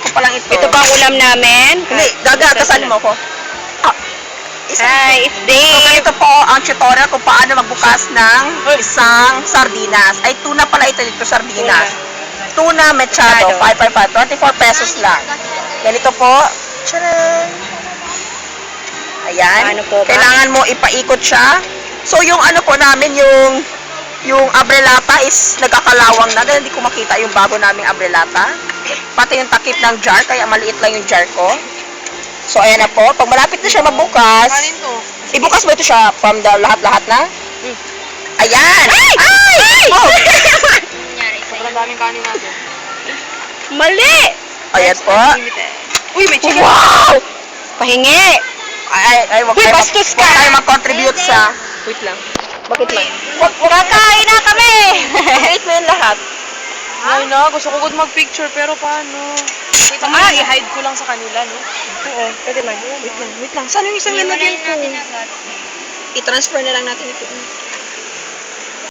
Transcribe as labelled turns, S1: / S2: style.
S1: pa lang ito.
S2: Ito pa ang ulam namin.
S1: Hindi, gagatasan mo ko.
S2: Hi, it's
S1: So,
S2: Dave.
S1: ganito po ang tutorial kung paano magbukas ng isang sardinas. Ay, tuna pala ito dito, sardinas. Tuna mechado, 555, 24 pesos lang. Ganito po. Tcharan! Ayan.
S2: Ano po ba?
S1: Kailangan mo ipaikot siya. So, yung ano po namin, yung abrelata is nagkakalawang na. Dahil hindi ko makita yung bago naming abrelata. Pati yung takip ng jar, kaya maliit lang yung jar ko. So, ayan na po. Pag malapit na siya magbukas, ibukas mo ito siya from the lahat-lahat na. Ayan! Ay! Oh!
S3: Sobrang daming kanin natin.
S2: Mali!
S1: Ayan po.
S2: Uy, may chicken.
S1: Wow!
S2: Pahingi.
S1: Ay, wag
S2: Uy,
S1: tayo
S2: bastos ka!
S1: wag tayo mag-contribute sa... Wait lang. Bakit lang?
S2: Kakain na kami!
S1: Wait mo yun lahat.
S3: Ay na, gusto ko good mag-picture, pero paano? I-hide ko lang sa kanila, no?
S1: Oo, pwede lang. Wait lang. Saan yung isang lalagyan ko? I-transfer na lang natin ito.